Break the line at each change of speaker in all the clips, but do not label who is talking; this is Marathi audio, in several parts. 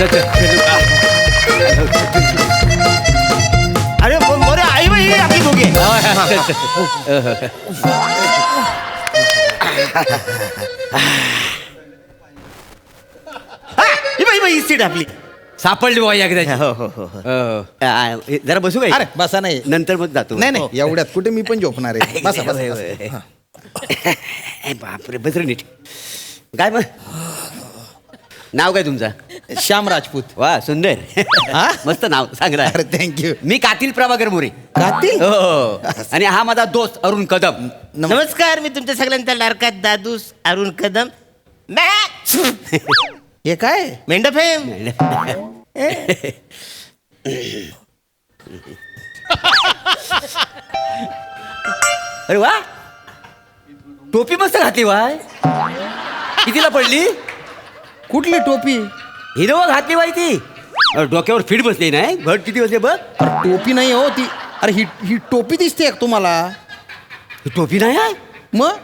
अरे मोरे आई बाई आपली दोघे. ही सीट आपली
सापडली बुवा एकदा.
हो हो हो जरा बसू काय?
अरे बसा नाही.
नंतर मग जातो.
नाही नाही एवढ्यात कुठे मी पण झोपणार आहे. बसा बसा, बसा.
बापरे बस रे नीट. काय मग नाव काय तुमचं?
श्याम राजपूत.
वा सुंदर.
हा?
मस्त नाव सांगला.
अरे थँक्यू.
मी कातील प्रभाकर मोरे.
कातील?
हो. आणि हा माझा दोस्त अरुण कदम.
नमस्कार, मी तुमच्या सगळ्यांचा लाडका दादूस अरुण कदम.
हे काय?
मेंढफेम.
अरे वा टोपी मस्त घातली वाय. कितीला पडली?
कुठली टोपी?
हिरवा घातली बाई ती. डोक्यावर फिट बसली नाही. घट किती बसले बघ.
अरे टोपी नाही हो ती. अरे ही टोपी दिसते का तुम्हाला?
ही टोपी नाही आहे.
मग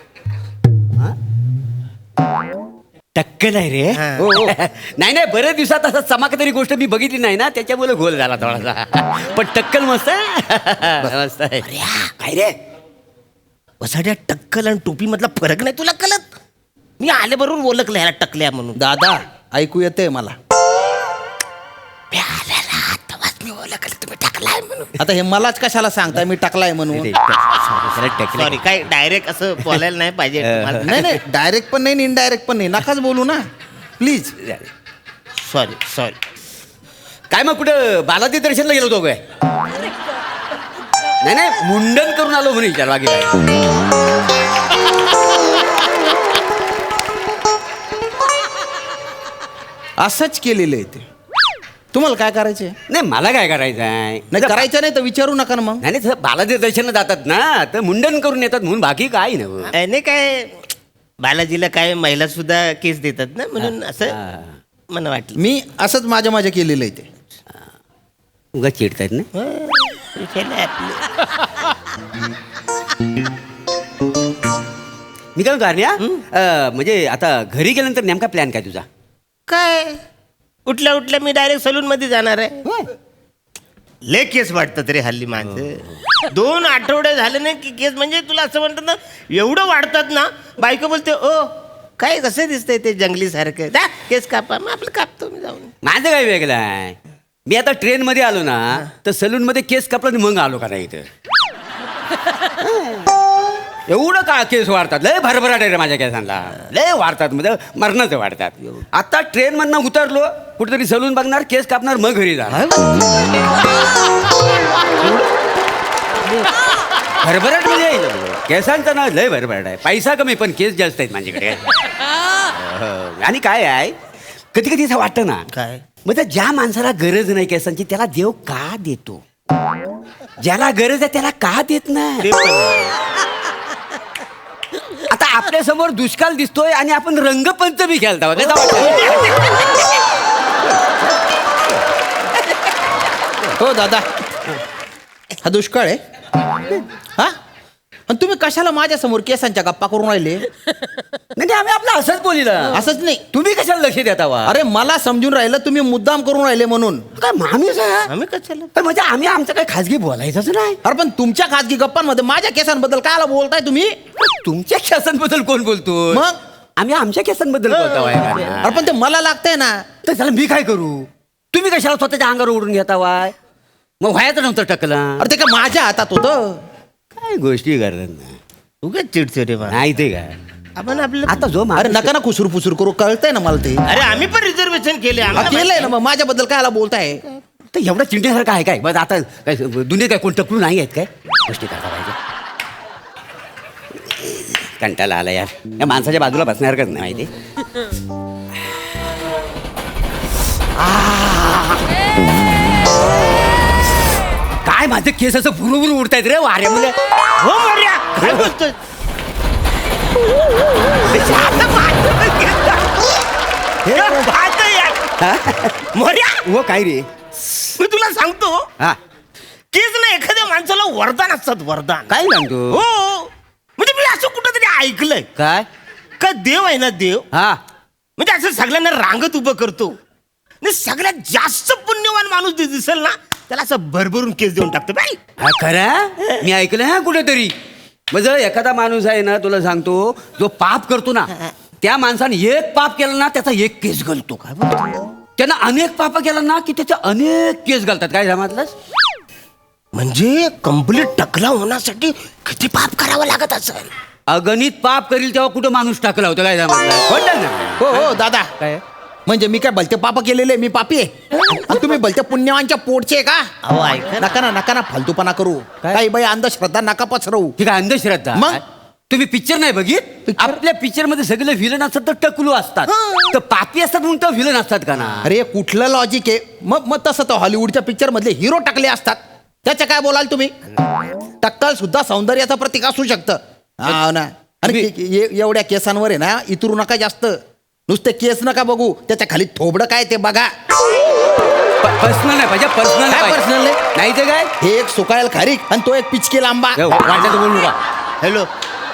टक्कल आहे रे.
हो, हो.
नाही नाही बरेच दिवसात असं चमकदारी गोष्ट मी बघितली नाही ना त्याच्यामुळे गोल झाला थोडासा. पण टक्कल मस्त आहे. मस्त आहे.
काय रे वसाड्या टक्कल आणि टोपी मधला फरक नाही तुला कळत? मी आले बरोबर ओळखलं ह्याला टकल्या म्हणून.
दादा ऐकू येते मला.
मी आलेला तेव्हाच मी ओळखलं तुम्ही टकलाय म्हणून.
आता हे मलाच कशाला सांगताय मी टाकलाय म्हणून?
सॉरी, काय डायरेक्ट असं बोलायला नाही पाहिजे तुम्हाला.
नाही नाही डायरेक्ट पण नाही इनडायरेक्ट पण नाही. नकाच बोलू ना प्लीज.
Sorry sorry.
काय मग कुठं बालाजी दर्शनला गेलो होतो काय? नाही नाही मुंडन करून आलो म्हणून विचार बाकी काय.
असंच केलेलं आहे ते. तुम्हाला काय करायचंय?
नाही मला काय करायचं आहे.
नाही करायचं नाही तर विचारू नका ना मग.
नाही नाही बालाजी दर्शनला जातात ना तर मुंडन करून येतात म्हणून बाकी काय नाही.
नाही काय बालाजीला काय महिला सुद्धा केस देतात ना म्हणून असं मला वाटलं.
मी असंच माझ्या केलेलं आहे ते.
उगा चिडतायत ना. मी काय करण्या म्हणजे आता घरी गेल्यानंतर नेमका प्लॅन काय तुझा?
काय उठल्या मी डायरेक्ट सलून मध्ये जाणार आहे. लय केस वाटतात रे हल्ली माणसं. 2 आठवडे झाले नाही की केस म्हणजे तुला असं म्हणतात ना एवढं वाढतात ना. बायको बोलते ओ काय कसं दिसतंय ते जंगली सारखं. जा केस कापा. मग आपलं कापतो मी जाऊन.
माझं काय वेगळं आहे. मी आता ट्रेन मध्ये आलो ना तर सलून मध्ये केस कापला मग आलो का नाही इथं. एवढं का केस वाढतात. लय भरभराट आहे रे माझ्या केसांना. लय वाढतात म्हणजे मरणाचं वाढतात. आता ट्रेन मधनं उतरलो कुठेतरी सलून बघणार केस कापणार मग घरी जाणार. भरभराट म्हणजे केसांचं ना लय भरभराट आहे. पैसा कमी पण केस जास्त आहेत माझ्याकडे. आणि काय आहे कधी कधी असं वाटतं ना
काय
म्हणजे ज्या माणसाला गरज नाही केसांची त्याला देव का देतो. ज्याला गरज आहे त्याला का देत नाही. आता आपल्या समोर दुष्काळ दिसतोय आणि आपण रंगपंचमी खेळता.
हो दादा हा दुष्काळ आहे हा. आणि तुम्ही कशाला माझ्या समोर केसांच्या गप्पा करून राहिले?
नाही आम्ही आपलं असंच बोलिलं.
असंच नाही.
तुम्ही कशाला लक्ष देता वा?
अरे मला समजून राहिलं तुम्ही मुद्दाम करून राहिले म्हणून.
काय आम्हीच आहे?
आम्ही कशाला
पण म्हणजे आम्ही आमचं काही खाजगी बोलायचंच नाही.
अरे पण तुमच्या खाजगी गप्पांमध्ये माझ्या केसांबद्दल काय बोलताय तुम्ही?
तुमच्या केसांबद्दल कोण बोलतो?
मग
आम्ही आमच्या केसांबद्दल बोलतो.
अरे पण ते मला लागतंय ना.
तर त्याला मी काय करू? तुम्ही कशाला स्वतःच्या अंगावर उडून घेता वाय? मग व्हायचं नव्हतं टकला.
अरे ते काय माझ्या हातात होतं.
काय गोष्टी करतात ना
उगाच चिडतो रे बा.
नाही ते काय
आपण आपलं
आता जो
अरे नका ना खुसूर फुसूर करू. कळतंय ना मला ते.
अरे आम्ही पण रिझर्वेशन केले.
केलंय ना मग माझ्याबद्दल काय बोलताय?
तर एवढं चिंतेसारखं आहे काय? बस आता काय दुनियेत काय कोण टकलू नाही आहेत काय? गोष्टी करता पाहिजे. कंटाळा आला यार. या माणसाच्या बाजूला बसण्यासारखंच नाही माहिती. काय माझे केस असं भुरुभुरु उडतायत रे वाऱ्यामुळे.
हो मर्या काय बोलतोय? मर्या
हो काय रे?
मी तुला सांगतो
हा
केस ना एखाद्या माणसाला वरदान असतात. वरदान
काय सांगतो?
हो म्हणजे मी असं कुठंतरी ऐकलंय
काय
का देव आहे ना देव
हा
म्हणजे असं सगळ्यांना रांगत उभं करतो नाही सगळ्यात जास्त पुण्यवान माणूस दिसेल ना त्याला असं भरभरून केस देऊन टाकतो बाई.
हा खरा मी ऐकलं हा कुठेतरी म्हणजे एखादा माणूस आहे ना तुला सांगतो जो पाप करतो ना त्या माणसाने एक पाप केलं ना त्याचा एक केस घालतो. काय त्यानं अनेक पाप केलं ना की त्याचे अनेक केस घालतात. काय जमातलंस
म्हणजे कंप्लीट टकला होण्यासाठी किती पाप करावं लागत असेल.
अगणित पाप करील तेव्हा कुठं माणूस टाकला होता. काय जमातलं
हो हो दादा
काय
म्हणजे मी काय भलते पाप केलेले मी पापी आहे आणि तुम्ही भलत्या पुण्यवानच्या पोटचे आहे का?
अहो ऐका
नका ना फालतूपणा करू. काही बाई अंधश्रद्धा नका पसरवू.
ठीक आहे अंधश्रद्धा
मग?
तुम्ही पिक्चर नाही बघित
Picture?
आपल्या पिक्चर मध्ये सगळे विलन असतात तर टकलू असतात तर पापी असतात म्हणून तर विलन असतात का ना.
अरे कुठलं लॉजिक आहे मग तसं तर हॉलिवूडच्या पिक्चर मधले हिरो टाकले असतात त्याचं काय बोलाल तुम्ही. टक्कल सुद्धा सौंदर्याचं प्रतीक असू शकतं. हा ना. आणि एवढ्या केसांवर आहे ना इतरू नका जास्त. नुसते केस नका बघू त्याच्या खाली थोबडं काय ते बघा.
पर्सनल नाही पाहिजे पर्सनल
काय personal नाही?
नाही ते काय
हे एक सुकायल खारीक आणि तो एक पिचके लांबा.
वाटलं तर बोलू का
हॅलो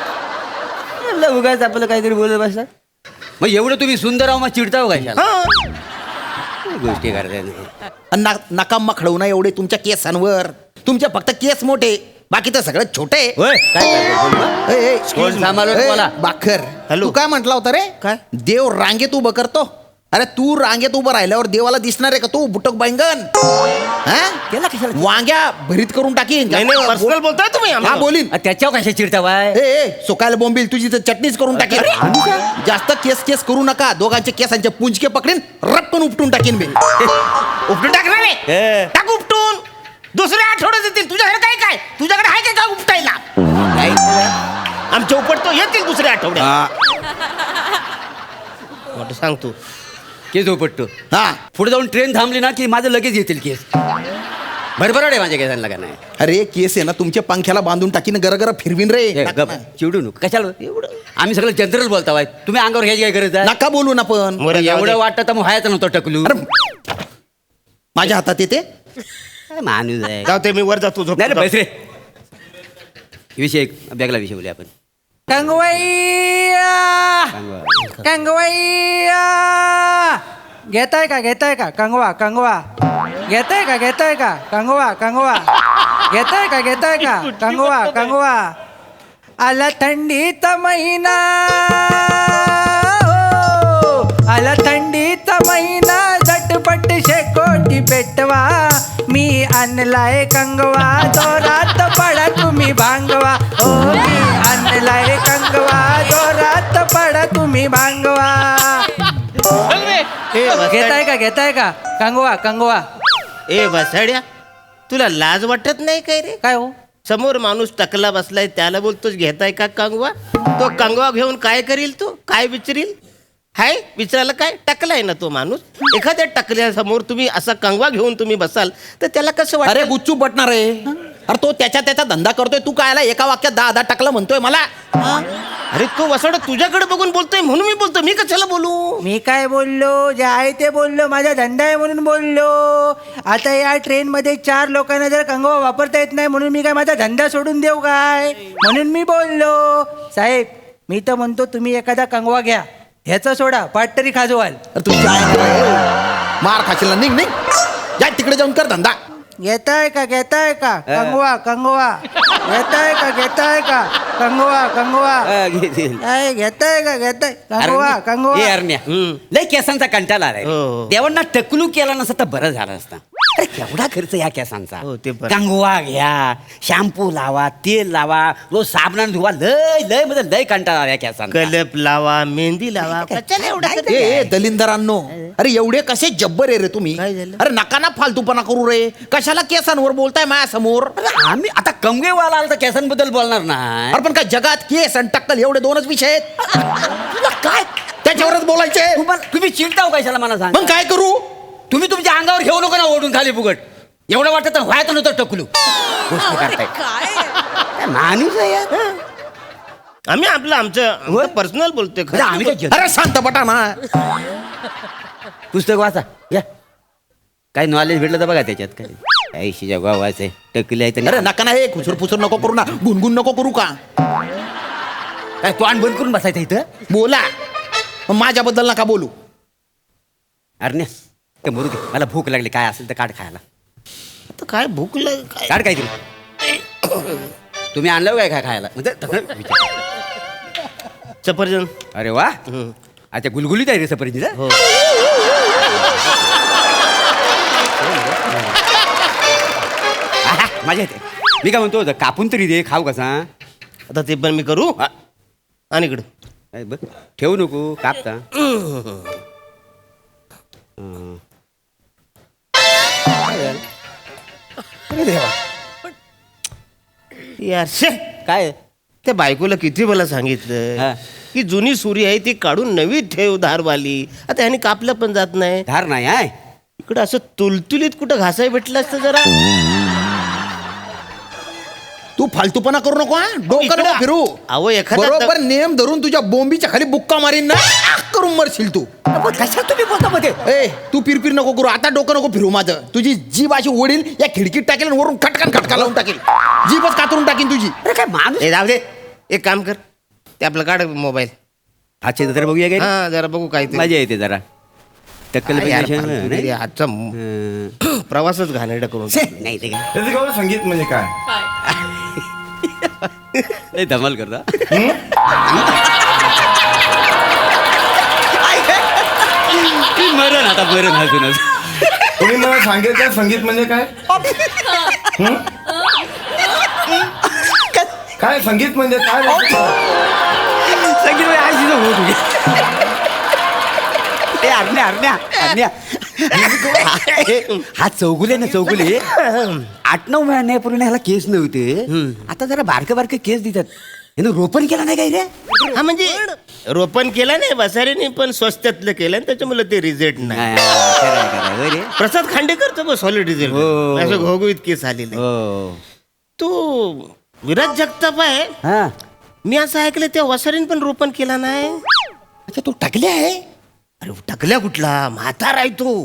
उगाच आपलं काहीतरी बोलत बसतात. मग एवढं तुम्ही सुंदर आहो मग चिडता हो कशाला गोष्टी करताय.
आणि नकाम खडवू ना एवढे तुमच्या केसांवर. तुमचे फक्त केस मोठे बाकी तर सगळं छोटे.
होय काय करताय? बोल ना. कोण सांभाळलं तुम्हाला?
बाखर
हॅलो.
तू काय म्हटला होता रे?
काय?
देव रांगेत उभं करतो. अरे तू रांगेत उभं राहिल्यावर देवाला दिसणार आहे का तू बुटक बैंगन?
त्याला कशाला
वांग्या भरीत करून टाकीन.
नाही नाही पर्सनल बोलताय तुम्ही
हा बोलीन.
त्याच्यावर कशा चिडता बाय
सुकायला बोंबील तुझी तर चटणीच करून टाकीन. जास्त केस करू नका. दोघांचे केसांचे पुंजके पकडीन रप्पन उपटून टाकीन मी.
उपटून टाकणार आहे टाक उपटून. दुसऱ्या आठवड्यात येतील तुझ्याकडे काय तुझ्याकडे आहे काय उपटायला. आमच्या उपटतो येतील दुसऱ्या आठवड्यात. मोठं सांगतो
केस उपटतो.
हा
पुढे जाऊन ट्रेन थांबली ना की माझं लगेच येतील केस. भरभराट आहे माझ्या केसांना का नाही.
अरे केस आहे ना तुमच्या पंख्याला बांधून टाकीन गरगर फिरवीन रे.
ए, गप, चिडू नको कशाला एवढं आम्ही सगळं जनरल बोलता बाय तुम्ही अंगावर घ्यायची काय गरज आहे.
नका बोलू ना पण.
मोरे जाऊ दे.
एवढं वाटतं तर मग व्हायचं नव्हतं टकलू.
अरे माझ्या हातात येते.
काय माणूस आहे.
जाऊ ते मी वर जातो झोपतो.
नाही रे पैसे विषय बॅगला विषय बोलूया आपण.
कंगवैया कंगवैया घेताय का कंगवा घेताय का कंगवा घेताय का कंगवा आला थंडीचा महिना आला थंडीचा महिना झटपट शेकोटी पेटवा मी आणलाय कंगवा दोरात पडा तुम्ही भांगवा हो मी आणलाय कंगवा दोरात पडा तुम्ही भांगवा घेताय का कंगवा
ए बसाड्या तुला लाज वाटत नाही काय रे.
काय हो
समोर माणूस टकला बसलाय त्याला बोलतोस घेताय का कंगवा. तो कंगवा घेऊन काय करील तू काय विचारील. हाय विचारायला काय टकलाय ना तो माणूस. एखाद्या टकल्यासमोर तुम्ही असा कंगवा घेऊन तुम्ही बसाल तर त्याला कसं
अरे
वाटत.
गुच्चू बटणार आहे. अरे तो त्याचा धंदा करतोय तू काय एका वाक्यात 10 टाकलं म्हणतोय मला.
अरे तो वसाड तुझ्याकडे बघून बोलतोय म्हणून मी बोलतो. मी कशाला बोलू.
मी काय बोललो जे आहे ते बोललो माझा धंदा आहे म्हणून बोललो. आता या ट्रेन मध्ये 4 लोकांना जर कंगवा वापरता येत नाही म्हणून मी काय माझा धंदा सोडून देऊ काय म्हणून मी बोललो. साहेब मी तर म्हणतो तुम्ही एखादा कंगवा घ्या ह्याचा सोडा पाट तरी खाजवाल.
अरे तुझी आहे मार खाशील ना. निघ जा तिकडे जाऊन कर धंदा.
घेताय का कंगवा घेताय का कंगवा काय घेताय कंगवा
हे अरण्या लय केसांचा कंटाळा आलाय.
हो.
देवांना टकलू केला नसता तर बरं झालं असतं. अरे केवढा खर्च या केसांचा.
हो, ते बरं.
कंगवा घ्या शॅम्पू लावा तेल लावा रोज साबणाने धुवा लय म्हणजे लय कंटाळा आला या केसांचा.
कलप लावा मेहंदी लावा कशाला एवढा
ए दलिंदरांनो अरे एवढे कसे जब्बर आहे रे तुम्ही.
काय झालं?
अरे नका ना फालतूपणा करू रे. कशाला केसांवर बोलताय माझ्या समोर.
आम्ही आता कंगवेवाला आला तर केसांबद्दल बोलणार नाही.
अरे पण काय जगात केस आणि टक्कल एवढे 2च विषय आहेत.
तुला काय
त्याच्यावरच बोलायचे.
तुम्ही चिडताव कशाला मला सांग.
मग काय करू.
तुम्ही तुमच्या अंगावर घेऊ नका ना ओढून खाली फुगट. एवढं वाटत तर व्हायचं नव्हतं टकलू गोष्टी करताय. काय माणूस आहे यार.
आम्ही आमचं पर्सनल बोलतोय
अरे आम्ही काय जग-
अरे शांत बटा ना.
पुस्तक वाचा या काय नॉलेज भेटलं तर बघा त्याच्यात काय ऐशीच्या गावाचं टकली आहे
अरे नका ना हे खुसर फुसर नको करू ना. गुणगुण नको करू का.
काय तोंड बंद करून बसायचं इथं.
बोला. मग माझ्याबद्दल नका बोलू.
अरे ते मरू दे, मला भूक लागली, काय असेल तर काढ खायला.
आता काय भूक काय
काढ काहीतरी. तुम्ही आणलं काय काय खायला म्हणजे तसं विचार.
सफरचंद.
अरे वा, अच्छा गुलगुलीत आहे रे सफरचंद.
हो.
माझ्या येते. मी काय म्हणतो कापून तरी दे, खाऊ कसा.
आता ते पण मी करू. आणि इकडं
काय बघ, ठेवू नको, कापता.
यार शे,
काय
त्या बायकोला किती मला
हा.
सांगितलं की जुनी सुरी आहे ती काढून नवी ठेव धारवाली. आता ह्याने कापलं पण जात नाही.
धार नाही आहे.
इकडं असं तुलतुलीत कुठं घासाय भेटलं असतं जरा.
तू फालतूपणा करू नको, हा डोकं नको फिरू.
अहो एखादा
बरोबर नेम धरून तुझ्या बोंबीच्या खाली बुक्का मारीन ना, आक करून मरशील तू.
कशा तुम्ही बोलता मध्ये.
ए तू पिरपिर नको करू, आता डोकं नको फिरू माझं. तुझी जीभ अशी ओढील या खिडकीत टाकेल आणि वरून खटकन खटका लावून टाकेल. जीभच कातरून टाकीन तुझी.
अरे काय माणूस.
जाऊ दे, एक काम कर, ते आपलं काढ मोबाईल.
अच्छा जरा बघूया काय.
हा जरा बघू काय ते.
मजा येते जरा. टक्कल
यार,
पाहिजे
फालतू
नाही?
तरी आजचा प्रवासच घाणेरडा करून
नाही ते काय
त्याचं केवळ संगीत म्हणजे काय?
लय धमाल करता. मरण आता मरण अजूनच.
तुम्ही मला सांगितलं संगीत म्हणजे काय? हं? काय संगीत म्हणजे काय बोलतो?
संगीत आज तिथं होत होती. ते आरण्या आरण्या आरण्या. हा चौगुले ना चौगुले 8-9 महिन्यापूर्वी ह्याला केस नव्हते, आता जरा बारके बारके केस देतात. यानं रोपण केला नाही काय रे.
हा म्हणजे रोपण केलं नाही बसाऱ्याने, पण स्वस्तातलं केलं आणि त्याच्यामुळे ते रिझल्ट नाही.
होय रे.
प्रसाद खांडेकर बस सॉलिड रिझल्ट.
हो.
असं घोघवीत केस आलेले.
हो.
तो विराज जगताप आहे.
हा.
मी असं ऐकलं त्या वसारीने पण रोपण केला नाही.
अच्छा तू टाकले आहे.
अरे टकल्या कुठला, म्हातारा आहे तो.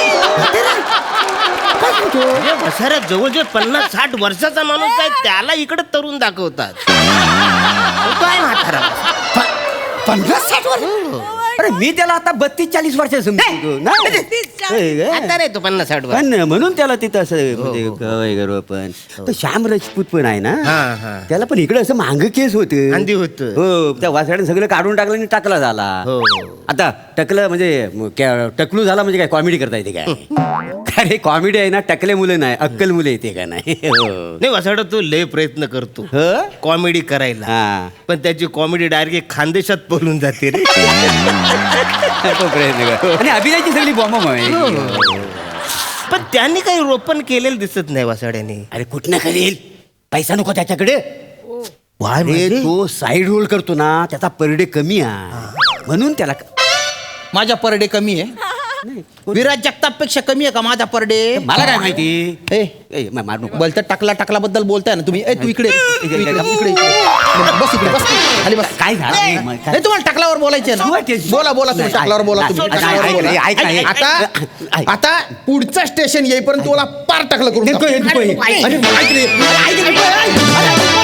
वसाऱ्यात जवळजवळ 50-60 वर्षाचा माणूस आहे, त्याला इकडे तरुण दाखवतात. तो काय म्हातारा.
50-60 वर्ष. अरे मी त्याला आता 32-40 वर्ष समजतो.
आता नाही तो 50-60 वर्ष.
पण म्हणून त्याला तिथं असं म्हणजे वगैरे पण तो श्याम राजपूत पण आहे ना,
हा, हा.
त्याला पण इकडे असं मांग केस होते.
अंधी होतं.
हो, त्या वासाड्याने सगळं काढून टाकलं आणि टाकला झाला.
हो.
आता टकलं म्हणजे टकलू झाला म्हणजे काय कॉमेडी करता येते काय. अरे कॉमेडी आहे ना, टकले मुलं नाही अक्कल मुलं येते का नाही. हो.
नाही वसाडा तो लय प्रयत्न करतो
हो?
कॉमेडी करायला,
हा.
पण त्याची कॉमेडी डायरेक्ट खानदेशात पळून जाते रे.
तो प्रयत्न कर. आणि अभिनयाची सगळी बॉम्ब आहे.
पण त्यांनी काही रोपण केलेलं दिसत नाही वसाड्याने.
अरे कुठनं करेल, पैसा नको त्याच्याकडे.
वाय
अरे तो साईड रोल करतो ना, त्याचा पर डे कमी आहे म्हणून त्याला.
माझा पर डे कमी आहे. विराज जगताप पेक्षा कमी आहे का माझा पर डे?
मला काय माहिती.
ए
ए, मार नको.
बोलता टाकला बद्दल बोलताय ना तुम्ही. ए तू इकडे इकडे बस, इकडे बस खाली बस.
काय झालं?
नाही तुम्हाला टाकलावर बोलायचे ना. बोला तुम्ही
नाही,
टाकलावर बोला तुम्ही.
ऐक,
टाकलावर
ऐक,
बोला.
ऐक, ऐक, ऐक.
आता आता पुढचं स्टेशन येईपर्यंत तुला पार टाकलं करून
नको,
टाकू.
नको, नको.
अरे, ऐक रे.
ऐक, ऐक, ऐक.